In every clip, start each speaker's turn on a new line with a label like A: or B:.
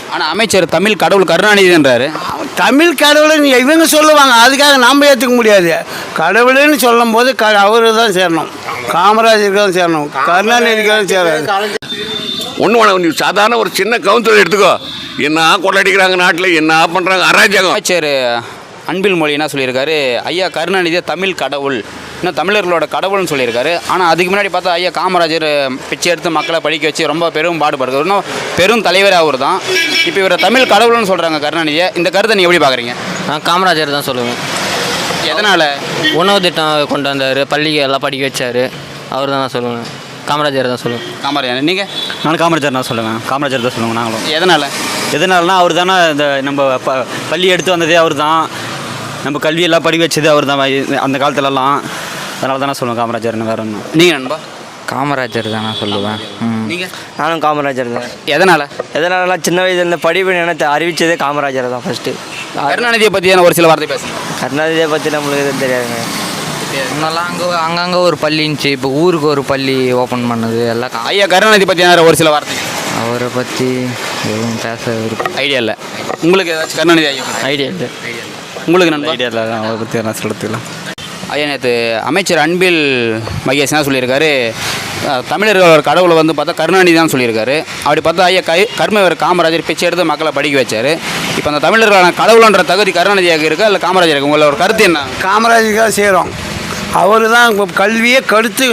A: ஆனால் அமைச்சர் தமிழ் கடவுள் கருணாநிதின்றாரு.
B: தமிழ் கடவுள்னு இவங்க சொல்லுவாங்க, அதுக்காக நாம் ஏற்றுக்க முடியாது. கடவுள்னு சொல்லும் போது அவரு தான் சேரணும், காமராஜருக்கு தான் சேரணும், கருணாநிதிக்கு தான் சேராது.
C: ஒன்று வேணாம், நீ சாதாரண ஒரு சின்ன கவுன்சிலர் எடுத்துக்கோ, என்ன கொள்ளடிக்கிறாங்க நாட்டில், என்ன பண்ணுறாங்க அராஜகம்.
A: அமைச்சர் அன்பில் மொழி என்ன சொல்லியிருக்காரு, ஐயா கருணாநிதியை தமிழ் கடவுள், இன்னும் தமிழர்களோட கடவுள்னு சொல்லியிருக்காரு. ஆனால் அதுக்கு முன்னாடி பார்த்தா ஐயா காமராஜர் பிச்சை எடுத்து மக்களை படிக்க வச்சு ரொம்ப பெரும் பாடுபடுறது, இன்னும் பெரும் தலைவர் அவர் தான். இப்போ இவரை தமிழ் கடவுள்னு சொல்கிறாங்க கருணாநிதியை. இந்த கருத்தை நீங்கள் எப்படி பார்க்குறீங்க?
D: நான் காமராஜர் தான் சொல்லுவேன்.
A: எதனால்?
D: உணவு திட்டம் கொண்டு வந்தார், பள்ளிக்கு எல்லாம் படிக்க வச்சார், அவர் தான் நான் சொல்லுவேன். காமராஜர் தான் சொல்லுவேன்.
A: காமராஜர். நீங்கள்?
E: நான் காமராஜர் தான் சொல்லுவேன். காமராஜர் தான் சொல்லுவேன் நாங்களும்.
A: எதனால்னா
E: அவர் தானே இந்த நம்ம பள்ளி எடுத்து வந்ததே அவர் தான், நம்ம கல்வியெல்லாம் படிக்க வச்சது அவர் தான் அந்த காலத்துலலாம். அதனால தான் நான் சொல்லுவேன் காமராஜர்னு. வேறு ஒன்றும்.
A: நீங்கள் நண்பா?
D: காமராஜர் தான் நான் சொல்லுவேன்.
A: நீங்கள்?
D: நானும் காமராஜர் தான்.
A: எதனால்?
D: சின்ன வயசுல படிப்பு எனக்கு அறிவித்ததே காமராஜர் தான் ஃபஸ்ட்டு.
A: கருணாநிதியை பற்றியான ஒரு சில வார்த்தை பேசுகிறேன்.
D: கருணாநிதியை பற்றி நம்மளுக்கு எதுவும் தெரியாதுங்க. முன்னெல்லாம் அங்கங்கே ஒரு பள்ளி இருந்துச்சு, இப்போ ஊருக்கு ஒரு பள்ளி ஓப்பன் பண்ணது எல்லாம்.
A: ஐயா கருணாநிதி பற்றியான ஒரு சில வார்த்தை.
D: அவரை பற்றி எதுவும் பேச
A: ஐடியா இல்லை உங்களுக்கு? ஏதாச்சும் கருணாநிதி ஐயா
D: ஐடியா இல்லை.
A: உங்களுக்கு நண்பர்?
E: ஐடியா இல்லை, அவரை பற்றி என்ன சொல்கிறதுக்கலாம்.
A: ஐயா நேற்று அமைச்சர் அன்பில் மகேஷ் என்ன சொல்லியிருக்காரு, தமிழர்களோட கடவுளை வந்து பார்த்தா கருணாநிதி தான் சொல்லியிருக்காரு. அப்படி பார்த்தா ஐயா கர்மவர் காமராஜர் பிச்சை எடுத்து மக்களை படிக்க வச்சார். இப்போ அந்த தமிழர்களான கடவுளன்ற தகுதி கருணாநிதியாக இருக்கா இல்லை காமராஜருக்கு? உங்களோட கருத்து என்ன?
B: காமராஜருக்கு தான் சேரும். அவர் தான் கல்வியை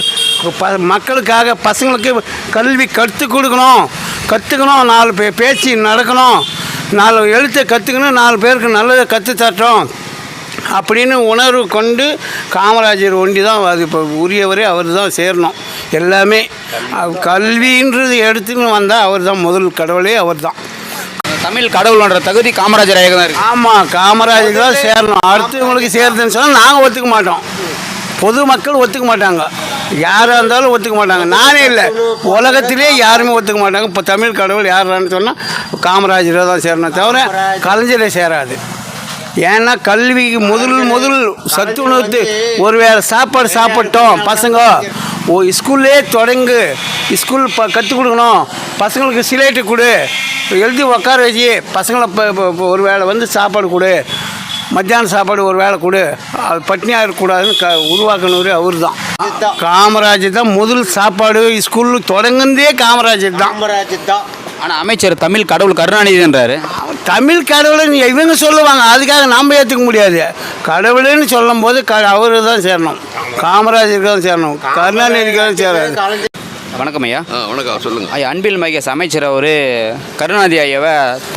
B: மக்களுக்காக பசங்களுக்கு கல்வி கற்றுக்கணும், 4 பேச்சு நடக்கணும், 4 எழுத்தை கற்றுக்கணும், 4 பேருக்கு நல்லதை கற்றுத்தட்டோம் அப்படின்னு உணர்வு கொண்டு காமராஜர் ஒண்டி தான் அது இப்போ உரியவரே அவர் தான் சேரணும். எல்லாமே கல்வின்றது எடுத்துன்னு வந்தால் அவர் தான் முதல் கடவுளே அவர் தான்.
A: தமிழ் கடவுள்ன்ற தகுதி காமராஜராக தான் இருக்குது.
B: ஆமாம், காமராஜருக்கு தான் சேரணும். அடுத்தவங்களுக்கு சேருதுன்னு சொன்னால் நாங்கள் ஒத்துக்க மாட்டோம், பொதுமக்கள் ஒத்துக்க மாட்டாங்க, யாராக இருந்தாலும் ஒத்துக்க மாட்டாங்க. நானே இல்லை, உலகத்திலே யாருமே ஒத்துக்க மாட்டாங்க. இப்போ தமிழ் கடவுள் யாரான்னு சொன்னால் காமராஜரை தான் சேரணும், தவிர கலைஞரை சேராது. ஏன்னா கல்விக்கு முதல் சத்துணவு ஒரு வேளை சாப்பாடு சாப்பிட்டோம் பசங்க, ஸ்கூல்லே தொடங்கு, ஸ்கூல் கற்றுக் கொடுக்கணும், பசங்களுக்கு சிலேட்டு கொடு, எழுதி உட்கார வச்சு பசங்களை ஒரு வேளை வந்து சாப்பாடு கொடு, மத்தியான சாப்பாடு ஒரு வேளை கொடு, அது பட்னியாக இருக்கக்கூடாதுன்னு உருவாக்கினவர் அவர் தான். காமராஜர் தான் முதல் சாப்பாடு ஸ்கூலு தொடங்குனதே காமராஜர் தான்.
A: ஆனால் அமைச்சர் தமிழ் கடவுள் கருணாநிதின்றாரு.
B: தமிழ் கடவுள்னு இவங்க சொல்லுவாங்க, அதுக்காக நாம் ஏற்றுக்க முடியாது. கடவுள்னு சொல்லும் போது அவரு தான் சேரணும், காமராஜருக்கு தான் சேரணும், கருணாநிதிக்கு தான் சேராது.
A: வணக்கம் ஐயா.
C: வணக்கம், சொல்லுங்கள்
A: ஐயா. அன்பில் மகேஷ் அமைச்சர் அவர் கருணாநிதி ஐயாவை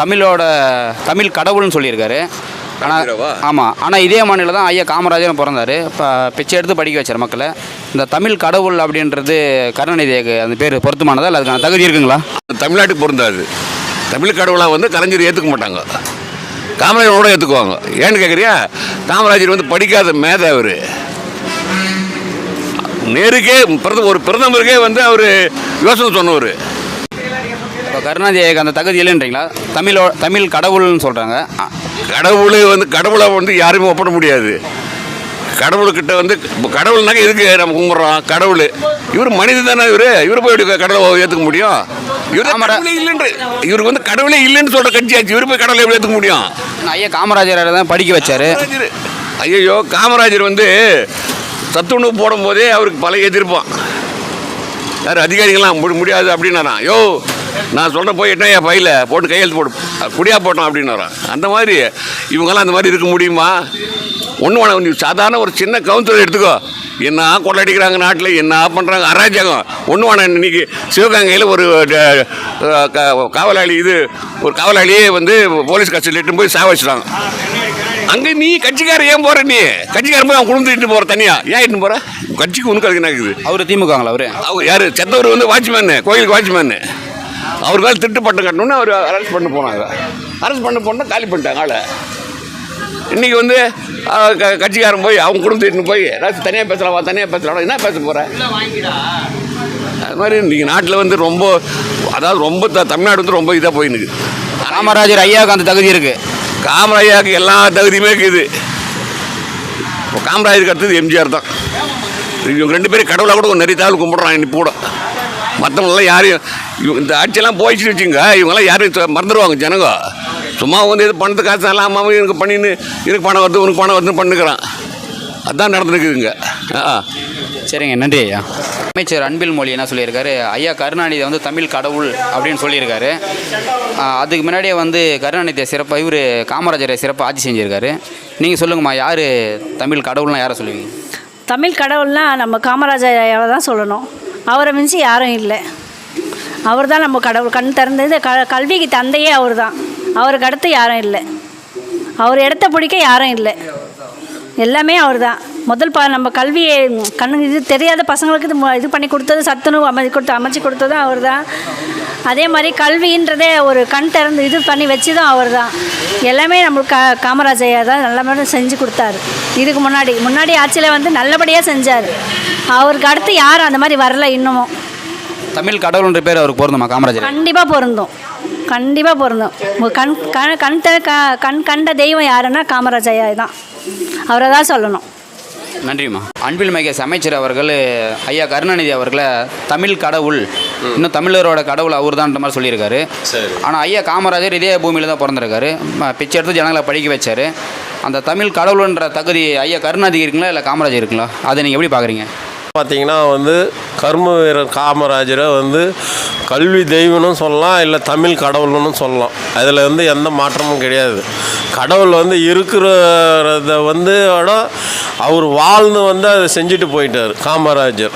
A: தமிழ் கடவுள்னு சொல்லியிருக்காரு. ஆனால் ஆமாம், ஆனால் இதே மாநிலம் தான் ஐயா காமராஜரும் பிறந்தார், இப்போ பிச்சை எடுத்து படிக்க வச்சார் மக்களை. இந்த தமிழ் கடவுள் அப்படின்றது கருணாநிதிக்கு அந்த பேர் பொருத்தமானதா இல்லை அதுக்கான தகுதி இருக்குங்களா?
C: தமிழ்நாட்டுக்கு பொருந்தாது. தமிழ் கடவுளாக வந்து கலைஞர் ஏற்றுக்க மாட்டாங்க, காமராஜரோட ஏற்றுக்குவாங்க. ஏன்னு கேட்குறியா, காமராஜர் வந்து படிக்காத மேதை, அவர் நேருக்கே ஒரு பிரதமருக்கே வந்து அவர் யோசனை சொன்னவர்.
A: இப்போ கருணாநிதிக்கு அந்த தகுதி இல்லைன்றீங்களா? தமிழ் கடவுள்னு சொல்கிறாங்க.
C: கடவுளை வந்து யாருமே ஒப்பிட முடியாது. கடவுள்கிட்ட வந்து கடவுள்னாக்க எதுக்கு நம்ம கும்பிட்றோம்? கடவுள் இவர் மனிதன் தானே, இவர் போய் கடவுளை ஏற்றுக்க முடியும்? இவருக்கு வந்து கடவுளே இல்லைன்னு சொல்கிற கட்சி ஆச்சு, இவர் போய் கடவுளை எப்படி ஏற்றுக்க முடியும்?
A: ஐயா காமராஜரை தான் படிக்க வச்சார்.
C: ஐயோ, காமராஜர் வந்து சத்துணவு போடும் போதே அவருக்கு பல எதிர்ப்பான். யார் அதிகாரிகள்லாம் முடியாது அப்படின்னாரான். யோ, நான் சொல்கிறேன் போய் எட்டா என் பையில் போட்டு கையெழுத்து போட்டு குடியா போட்டோம் அப்படின்னாரான். அந்த மாதிரி இவங்கெல்லாம் அந்த மாதிரி இருக்க முடியுமா? ஒன்று வேணாம், நீ சாதாரண ஒரு சின்ன கவுன்சிலர் எடுத்துக்கோ, என்ன கொள்ளடிக்கிறாங்க நாட்டில், என்ன பண்ணுறாங்க அராஜகம். ஒன்று வேணாம், இன்றைக்கி சிவகங்கையில் ஒரு காவலாளியே வந்து போலீஸ் கஸ்டடியில் இட்டு போய் சாவடிச்சிட்டாங்க. அங்கே நீ கட்சிக்காரன் ஏன் போகிற? நீ கட்சிக்காரன் போய் அவன் குடும்பத்தை இட்டு போகிற தனியாக ஏன் இட்டு போகிற? கட்சிக்கு உனக்கு அதுக்கு என்ன இருக்குது?
A: அவர் திமுகங்களா?
C: அவர் யார்? செத்தவர் வந்து வாட்ச்மேனு, கோயிலுக்கு வாட்ச்மேனு. அவர் மேலே திட்டு பட்டம் கட்டணுன்னு அவர் அரெஸ்ட் பண்ண போனாங்க. அரெஸ்ட் பண்ண போனால் காலி பண்ணிட்டாங்க ஆளை. இன்றைக்கி வந்து கட்சிக்காரன் போய் அவங்க குடும்பத்தை போய் ஏதாச்சும் தனியாக பேசலாம், என்ன பேச போகிற? அது மாதிரி இன்றைக்கி நாட்டில் வந்து ரொம்ப தமிழ்நாடு வந்து ரொம்ப இதாக போயினுக்கு.
A: காமராஜர் ஐயாவுக்கு அந்த தகுதி இருக்குது.
C: காமராஜருக்கு எல்லா தகுதியுமே இருக்குது. இப்போ காமராஜருக்கு அடுத்தது எம்ஜிஆர் தான். இவங்க 2 பேரும் கடவுளாக கூட நிறைய தாள் கும்பிட்றான். இன்னைக்கு கூட மற்றவங்களாம் யாரையும் இந்த ஆட்சியெல்லாம் போயிடுச்சுன்னு வச்சுங்க, இவங்கெல்லாம் யாரையும் மறந்துடுவாங்க ஜனங்க. சும்மா வந்து இது பணத்து காசு எல்லாம் அம்மாவும் எனக்கு பண்ணின்னு எனக்கு பணம் வருது உனக்கு பணம் வருதுன்னு பண்ணுக்கிறான். அதுதான் நடந்துருக்குதுங்க.
A: சரிங்க, நன்றி ஐயா. அமைச்சர் அன்பில் மொழி என்ன சொல்லியிருக்காரு, ஐயா கருணாநிதி வந்து தமிழ் கடவுள் அப்படின்னு சொல்லியிருக்காரு. அதுக்கு முன்னாடியே வந்து கருணாநிதியை சிறப்பாக இவர் காமராஜரை சிறப்பாக ஆட்சி செஞ்சுருக்காரு. நீங்கள் சொல்லுங்கம்மா, யார் தமிழ் கடவுள்னால் யாரை சொல்லுவீங்க?
F: தமிழ் கடவுள்னால் நம்ம காமராஜரை தான் சொல்லணும். அவரை மிஞ்சி யாரும் இல்லை. அவர் தான் நம்ம கடவுள். கண் திறந்தது கல்விக்கு தந்தையே அவர் தான். அவருக்கு அடுத்து யாரும் இல்லை. அவர் இடத்த பிடிக்க யாரும் இல்லை. எல்லாமே அவர் தான். முதல் நம்ம கல்வியை இது தெரியாத பசங்களுக்கு இது பண்ணி கொடுத்தது, சத்துணவு அமைச்சு கொடுத்ததும் அவர் தான். அதே மாதிரி கல்வின்றதே ஒரு கண் திறந்து இது பண்ணி வச்சதும் அவர் தான். எல்லாமே நம்மளுக்கு காமராஜையா தான் நல்ல மாதிரி செஞ்சு கொடுத்தாரு. இதுக்கு முன்னாடி ஆட்சியில் வந்து நல்லபடியாக செஞ்சார். அவருக்கு அடுத்து யாரும் அந்த மாதிரி வரல. இன்னமும்
A: தமிழ் கடவுள்ன்ற பேர் அவருக்கு பொருந்துமா காமராஜர்?
F: கண்டிப்பாக பொருந்தும். கண் கண்ட தெய்வம் யாருன்னா காமராஜையா தான். அவரை தான் சொல்லணும்.
A: நன்றிம்மா. அன்பில் மகேஷ் அமைச்சர் அவர்கள் ஐயா கருணாநிதி அவர்களை தமிழ் கடவுள், இன்னும் தமிழரோட கடவுள் அவர் தான்ன்ற மாதிரி சொல்லியிருக்காரு. ஆனால் ஐயா காமராஜர் இதே பூமியில் தான் பிறந்திருக்காரு. பிச்சை எடுத்து ஜனங்களை படிக்க வச்சார். அந்த தமிழ் கடவுள்ன்ற தகுதி ஐயா கருணாநிதி இருக்குங்களா இல்லை காமராஜர் இருக்குங்களா? அதை நீங்கள் எப்படி பார்க்குறீங்க?
G: பார்த்திங்கன்னா வந்து கர்ம வீரர் காமராஜரை வந்து கல்வி தெய்வம்னு சொல்லலாம், இல்லை தமிழ் கடவுள்னு சொல்லலாம். அதில் வந்து எந்த மாற்றமும் கிடையாது. கடவுள் வந்து இருக்கிறத வந்து அவர் வாழ்ந்து வந்து அதை செஞ்சுட்டு போயிட்டார் காமராஜர்.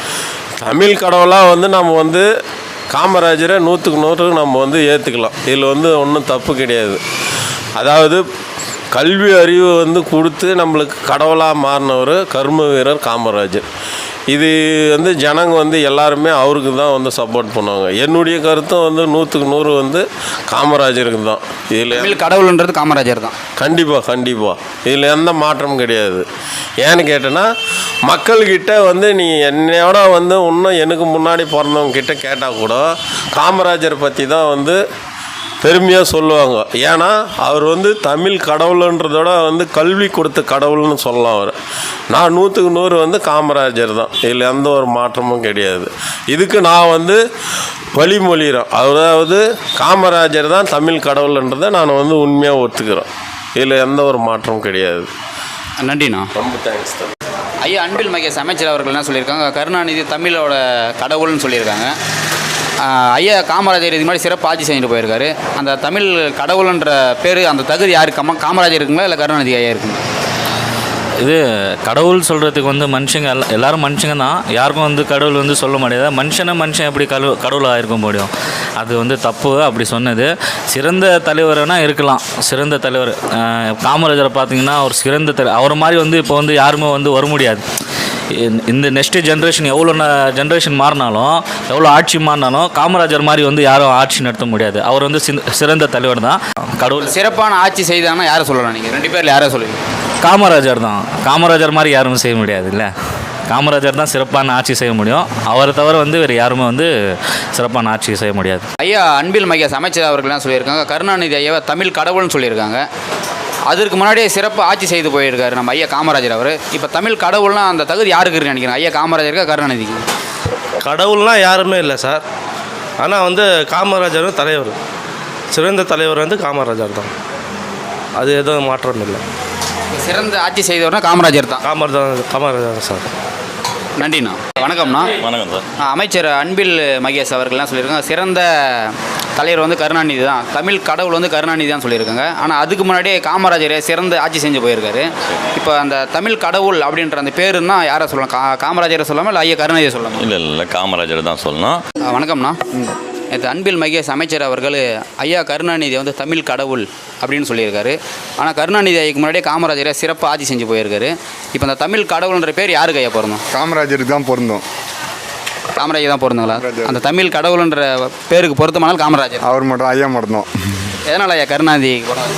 G: தமிழ் கடவுளாக வந்து நம்ம வந்து காமராஜரை 100க்கு 100 நம்ம வந்து ஏற்றுக்கலாம். இதில் வந்து ஒன்றும் தப்பு கிடையாது. அதாவது கல்வி அறிவு வந்து கொடுத்து நம்மளுக்கு கடவுளாக மாறினவர் கர்ம வீரர் காமராஜர். இது வந்து ஜனங்க வந்து எல்லாருமே அவருக்கு தான் வந்து சப்போர்ட் பண்ணுவாங்க. என்னுடைய கருத்தும் வந்து 100க்கு 100 வந்து காமராஜருக்கு தான். இதில்
A: கடவுள்ன்றது காமராஜர் தான்.
G: கண்டிப்பாக இதில் எந்த மாற்றமும் கிடையாது. ஏன்னு கேட்டேன்னா, மக்கள்கிட்ட வந்து நீ என்னையோட வந்து இன்னும் எனக்கு முன்னாடி பிறந்தவங்க கிட்ட கேட்டால் கூட காமராஜர் பற்றி தான் வந்து பெருமையாக சொல்லுவாங்க. ஏன்னா அவர் வந்து தமிழ் கடவுளுன்றதோட வந்து கல்வி கொடுத்த கடவுள்னு சொல்லலாம். அவர் நான் 100க்கு 100 வந்து காமராஜர் தான். இதில் எந்த ஒரு மாற்றமும் கிடையாது. இதுக்கு நான் வந்து வழிமொழிகிறேன். அதாவது காமராஜர் தான் தமிழ் கடவுள்ன்றதை நான் வந்து உண்மையாக ஒத்துக்கிறேன். இதில் எந்த ஒரு மாற்றமும் கிடையாது.
A: நன்றிண்ணா.
G: ரொம்ப தேங்க்ஸ் தான்.
A: ஐயா அன்பில் மகேஷ் அமைச்சர் அவர்கள் என்ன சொல்லியிருக்காங்க, கருணாநிதி தமிழோட கடவுள்னு சொல்லியிருக்காங்க. ஐயா காமராஜர் இது மாதிரி சிறப்பு ஆட்சி செஞ்சுட்டு போயிருக்காரு. அந்த தமிழ் கடவுள்ன்ற பேர், அந்த தகுதி யாரு? காமராஜர் இருக்குங்களா இல்லை கருணாநிதி ஐயா இருக்குங்களா?
H: இது கடவுள் சொல்கிறதுக்கு வந்து மனுஷங்க எல்லோரும் மனுஷங்க தான். யாருக்கும் வந்து கடவுள் வந்து சொல்ல முடியாது. மனுஷன் எப்படி கடவுளாக இருக்க முடியும்? அது வந்து தப்பு அப்படி சொன்னது. சிறந்த தலைவர்னா இருக்கலாம், சிறந்த தலைவர். காமராஜரை பார்த்திங்கன்னா அவர் சிறந்த அவர் மாதிரி வந்து இப்போ வந்து யாருமே வந்து வர முடியாது. இந்த நெக்ஸ்ட்டு ஜென்ரேஷன் எவ்வளோ ஜென்ரேஷன் மாறினாலும், எவ்வளோ ஆட்சி மாறினாலும் காமராஜர் மாதிரி வந்து யாரும் ஆட்சி நடத்த முடியாது. அவர் வந்து சிறந்த தலைவர் தான். கடவுள்
A: சிறப்பான ஆட்சி செய்தாங்கன்னா யாரை சொல்லலாம்? நீங்கள் 2 பேரில் யாரை சொல்லுவீங்க?
H: காமராஜர் தான். காமராஜர் மாதிரி யாரும் செய்ய முடியாது இல்லை. காமராஜர் தான் சிறப்பான ஆட்சி செய்ய முடியும். அவரை தவிர வந்து வேறு யாருமே வந்து சிறப்பான ஆட்சி செய்ய முடியாது.
A: ஐயா அன்பில் மகேஷ் அமைச்சர் அவர்கள்லாம் சொல்லியிருக்காங்க, கருணாநிதி ஐயாவை தமிழ் கடவுள்னு சொல்லியிருக்காங்க. அதற்கு முன்னாடியே சிறப்பு ஆட்சி செய்து போயிருக்காரு நம்ம ஐயா காமராஜர் அவர். இப்போ தமிழ் கடவுள்னால் அந்த தகுதி யாருக்கு இருக்குன்னு நினைக்கிறேன்? ஐயா காமராஜருக்கா கருணாநிதிக்கு?
I: கடவுள்லாம் யாருமே இல்லை சார். ஆனால் வந்து காமராஜரும் தலைவர், சிறந்த தலைவர் வந்து காமராஜர் தான். அது எதுவும் மாற்றம் இல்லை.
A: சிறந்த ஆட்சி செய்தவர்னா காமராஜர் தான்.
I: காமராஜர் சார்.
A: நன்றிண்ணா. வணக்கம்ண்ணா.
H: வணக்கம் சார்.
A: அமைச்சர் அன்பில் மகேஷ் அவர்கள்லாம் சொல்லியிருக்காங்க, சிறந்த தலைவர் வந்து கருணாநிதி தான், தமிழ் கடவுள் வந்து கருணாநிதி தான் சொல்லியிருக்காங்க. ஆனால் அதுக்கு முன்னாடியே காமராஜர் சிறந்த ஆட்சி செஞ்சு போயிருக்காரு. இப்போ அந்த தமிழ் கடவுள் அப்படின்ற அந்த பேருன்னா யாரை சொல்லலாம்? காமராஜரை சொல்லாமல் இல்லை ஐயா கருணாநிதியை சொல்லலாம்?
H: இல்லை காமராஜர் தான் சொல்லணும்.
A: வணக்கம்ண்ணா. இது அன்பில் மகேஷ் அமைச்சர் அவர்கள் ஐயா கருணாநிதி வந்து தமிழ் கடவுள் அப்படின்னு சொல்லியிருக்காரு. ஆனால் கருணாநிதி ஐயாக்கு முன்னாடியே காமராஜரை சிறப்பாக ஆட்சி செஞ்சு போயிருக்காரு. இப்போ அந்த தமிழ் கடவுள்ன்ற பேர் யாருக்கு ஐயா பொருந்தும்?
J: காமராஜருக்கு தான் பொருந்தும்.
A: காமராஜர் தான் பொருந்துங்களா? அந்த தமிழ் கடவுள்ன்ற பேருக்கு பொருத்தமானால் காமராஜர்
J: அவர் மட்டும், ஐயா மட்டும்.
A: எதனால் ஐயா கருணாநிதி?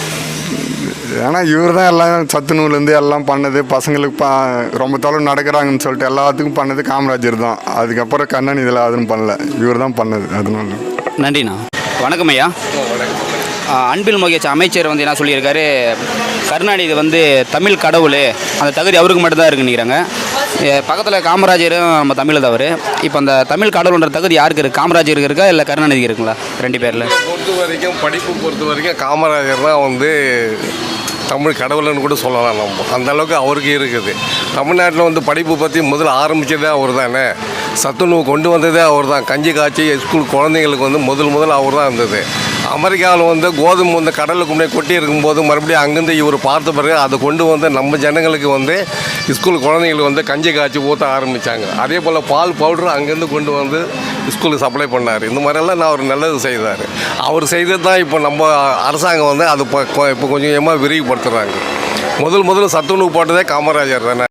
J: ஏன்னா இவர் தான் எல்லாம் சத்துணவுலேருந்து எல்லாம் பண்ணது. பசங்களுக்கு ரொம்ப தொலைவு நடக்கிறாங்கன்னு சொல்லிட்டு எல்லாத்துக்கும் பண்ணது காமராஜர் தான். அதுக்கப்புறம் கண்ணன் இதில் அதுவும் பண்ணல, இவர் தான் பண்ணது. அதனால
A: நன்றிண்ணா. வணக்கம் ஐயா. அன்பில் மகேஷ் அமைச்சர் வந்து என்ன சொல்லியிருக்காரு, கருணாநிதி வந்து தமிழ் கடவுள், அந்த தகுதி அவருக்கு மட்டும்தான் இருக்குன்னு நினைக்கிறாங்க. பக்கத்தில் காமராஜரும் நம்ம தமிழ் தவறு. இப்போ அந்த தமிழ் கடவுள்ன்ற தகுதி யாருக்கு இருக்குது? காமராஜருக்கு இருக்கா இல்லை கருணாநிதி இருக்குங்களா? 2 பேரில்
K: பொறுத்த வரைக்கும் படிப்பு பொறுத்த வரைக்கும் காமராஜர் தான் வந்து தமிழ் கடவுள்னு கூட சொல்லலாம். நம்ம அந்த அளவுக்கு அவருக்கு இருக்குது. தமிழ்நாட்டில் வந்து படிப்பு பற்றி முதல்ல ஆரம்பித்ததே அவர் தானே. சத்துணவு கொண்டு வந்ததே அவர் தான். கஞ்சி காய்ச்சி ஸ்கூல் குழந்தைங்களுக்கு வந்து முதல் அவர் தான் இருந்தது. அமெரிக்காவில் வந்து கோதுமை வந்து கடலுக்கு முன்னாடி கொட்டி இருக்கும்போது மறுபடியும் அங்கேருந்து இவர் பார்த்த பிறகு அதை கொண்டு வந்து நம்ம ஜனங்களுக்கு வந்து ஸ்கூல் குழந்தைங்களுக்கு வந்து கஞ்சி காய்ச்சி ஊற்ற ஆரம்பித்தாங்க. அதே போல் பால் பவுடர் அங்கேருந்து கொண்டு வந்து ஸ்கூலுக்கு சப்ளை பண்ணார். இந்த மாதிரியெல்லாம் நான் அவர் நல்லது செய்தார். அவர் செய்தது தான் இப்போ நம்ம அரசாங்கம் வந்து அது இப்போ கொஞ்சம் கொஞ்சமாக விரிவுபடுத்துகிறாங்க. முதல்ல சத்துணவு போட்டதே காமராஜர் தானே.